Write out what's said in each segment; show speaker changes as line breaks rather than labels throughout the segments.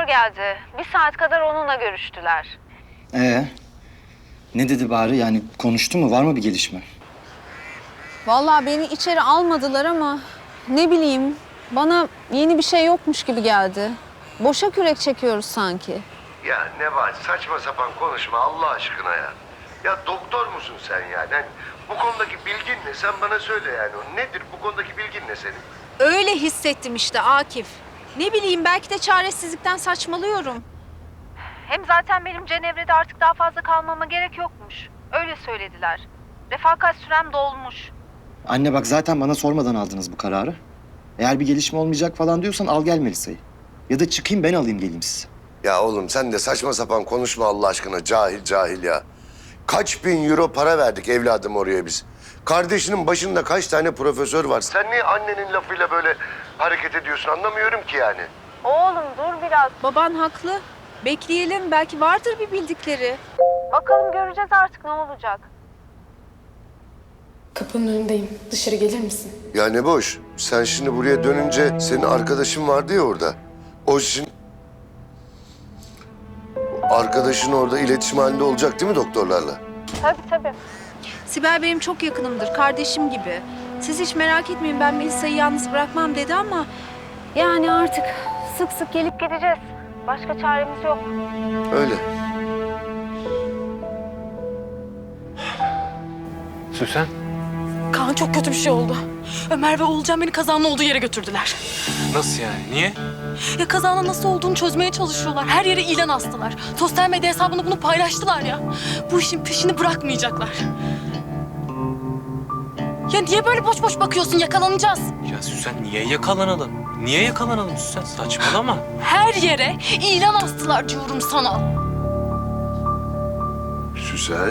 geldi. Bir saat kadar onunla görüştüler.
Ne dedi bari? Yani konuştu mu? Var mı bir gelişme?
Vallahi beni içeri almadılar ama ne bileyim bana yeni bir şey yokmuş gibi geldi. Boşa kürek çekiyoruz sanki.
Ya Nebahat saçma sapan konuşma Allah aşkına ya. Ya doktor musun sen yani? Hani bu konudaki bilgin ne? Sen bana söyle yani. Nedir bu konudaki bilgin ne senin?
Öyle hissettim işte Akif. Ne bileyim belki de çaresizlikten saçmalıyorum.
Hem zaten benim Cenevre'de artık daha fazla kalmama gerek yokmuş. Öyle söylediler. Refakat sürem dolmuş.
Anne bak zaten bana sormadan aldınız bu kararı. Eğer bir gelişme olmayacak falan diyorsan al gel Melisa'yı. Ya da çıkayım ben alayım geleyim sizi.
Ya oğlum sen de saçma sapan konuşma Allah aşkına. Cahil cahil ya. Kaç bin euro para verdik evladım oraya biz. Kardeşinin başında kaç tane profesör var. Sen niye annenin lafıyla böyle hareket ediyorsun anlamıyorum ki yani.
Oğlum dur biraz.
Baban haklı. Bekleyelim belki vardır bir bildikleri.
Bakalım göreceğiz artık ne olacak.
Kapının önündeyim. Dışarı gelir misin?
Ya ne boş. Sen şimdi buraya dönünce senin arkadaşın vardı ya orada. O için arkadaşın orada iletişim halinde olacak değil mi doktorlarla?
Tabii.
Sibel benim çok yakınımdır, kardeşim gibi. Siz hiç merak etmeyin ben Melisa'yı yalnız bırakmam dedi ama... Yani artık sık sık gelip
Gideceğiz. Başka çaremiz yok.
Öyle.
Süsen.
Kaan çok kötü bir şey oldu. Ömer ve Oğulcan beni kazanın olduğu yere götürdüler.
Nasıl yani? Niye?
Ya kazanın nasıl olduğunu çözmeye çalışıyorlar. Her yere ilan astılar. Sosyal medya hesabında bunu paylaştılar ya. Bu işin peşini bırakmayacaklar. Ya niye böyle boş boş bakıyorsun? Yakalanacağız.
Ya Süsen niye yakalanalım? Niye yakalanalım Süsen? Saçmalama.
Her yere ilan astılar diyorum sana.
Süsen.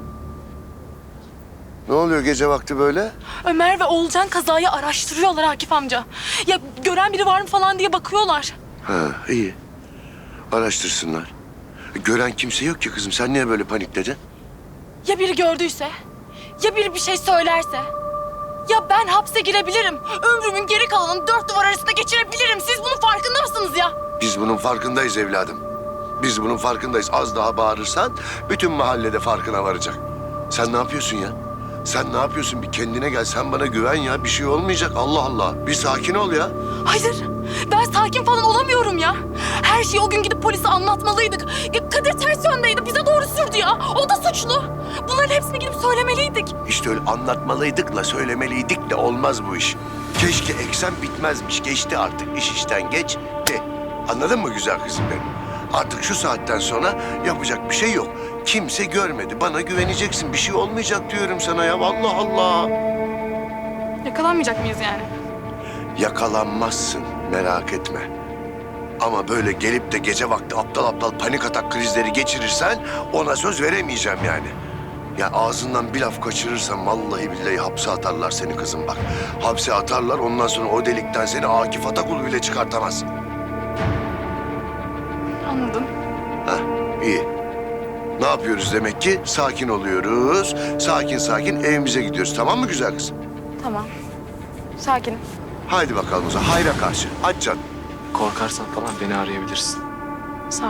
Ne oluyor gece vakti böyle?
Ömer ve Oğulcan kazayı araştırıyorlar Akif amca. Ya gören biri var mı falan diye bakıyorlar.
Ha iyi. Araştırsınlar. Gören kimse yok ki kızım. Sen niye böyle panikledin?
Ya biri gördüyse? Ya biri bir şey söylerse? Ya ben hapse girebilirim. Ömrümün geri kalanını 4 duvar arasında geçirebilirim. Siz bunun farkında mısınız ya?
Biz bunun farkındayız evladım. Biz bunun farkındayız. Az daha bağırırsan bütün mahallede farkına varacak. Sen ne yapıyorsun ya? Sen ne yapıyorsun? Bir kendine gel. Sen bana güven ya. Bir şey olmayacak. Allah Allah. Bir sakin ol ya.
Hayır. Ben sakin falan olamıyorum ya. Her şeyi o gün gidip polise anlatmalıydık. Ya Kadir ters yöndeydi. Bize doğru sürdü ya. O da suçlu. Bunların hepsini gidip söylemeliydik.
İşte öyle anlatmalıydık söylemeliydik de olmaz bu iş. Keşke eksen bitmezmiş. Geçti artık. İş işten geçti. Anladın mı güzel kızım benim? Artık şu saatten sonra yapacak bir şey yok. Kimse görmedi. Bana güveneceksin. Bir şey olmayacak diyorum sana ya. Allah Allah.
Yakalanmayacak mıyız yani?
Yakalanmazsın. Merak etme. Ama böyle gelip de gece vakti aptal aptal panik atak krizleri geçirirsen ona söz veremeyeceğim yani. Ya ağzından bir laf kaçırırsan vallahi billahi hapse atarlar seni kızım bak. Hapse atarlar ondan sonra o delikten seni Akif Atakul bile çıkartamaz.
Anladım.
Heh, iyi. Ne yapıyoruz demek ki? Sakin oluyoruz. Sakin sakin evimize gidiyoruz. Tamam mı güzel kızım?
Tamam. Sakinim.
Haydi bakalım o zaman. Hayra karşı. Aç can.
Korkarsan falan beni arayabilirsin.
Sağ ol.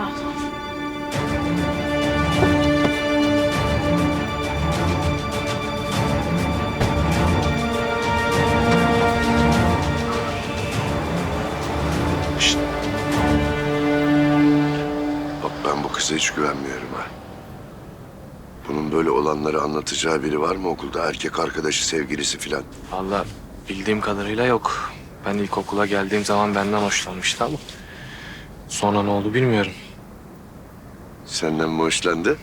Şişt. Bak ben bu kıza hiç güvenmiyorum ha. Bunun böyle olanları anlatacağı biri var mı okulda? Erkek arkadaşı, sevgilisi filan.
Vallahi bildiğim kadarıyla yok. Ben ilkokula geldiğim zaman benden hoşlanmıştı ama... Sonra ne oldu bilmiyorum.
Senden mi hoşlandı?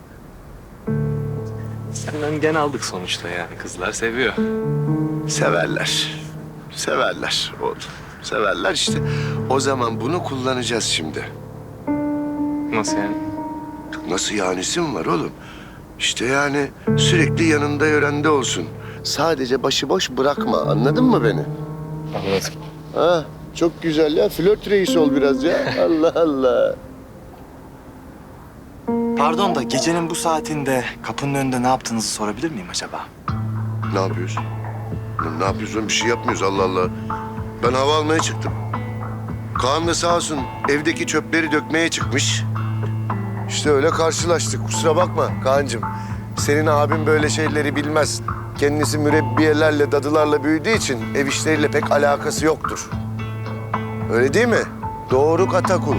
Senden gen aldık sonuçta yani. Kızlar seviyor.
Severler. Severler oğlum. Severler işte. O zaman bunu kullanacağız şimdi.
Nasıl yani?
Nasıl yanisi mi var oğlum? İşte yani sürekli yanında yörende olsun. Sadece başıboş bırakma. Anladın mı beni?
Anladım.
Ha, çok güzel ya. Flört reisi ol biraz ya. Allah Allah.
Pardon da gecenin bu saatinde kapının önünde ne yaptığınızı sorabilir miyim acaba?
Ne yapıyorsun? Ne yapıyorsun? Bir şey yapmıyoruz Allah Allah. Ben hava almaya çıktım. Kaan da sağ olsun evdeki çöpleri dökmeye çıkmış. İşte öyle karşılaştık. Kusura bakma Kaan'cığım. Senin abin böyle şeyleri bilmez. Kendisi mürebbiyelerle, dadılarla büyüdüğü için ev işleriyle pek alakası yoktur. Öyle değil mi? Doğru Katakul.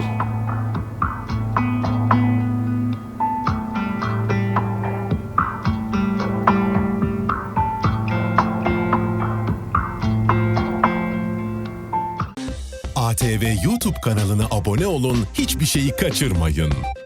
ATV YouTube kanalına abone olun, hiçbir şeyi kaçırmayın.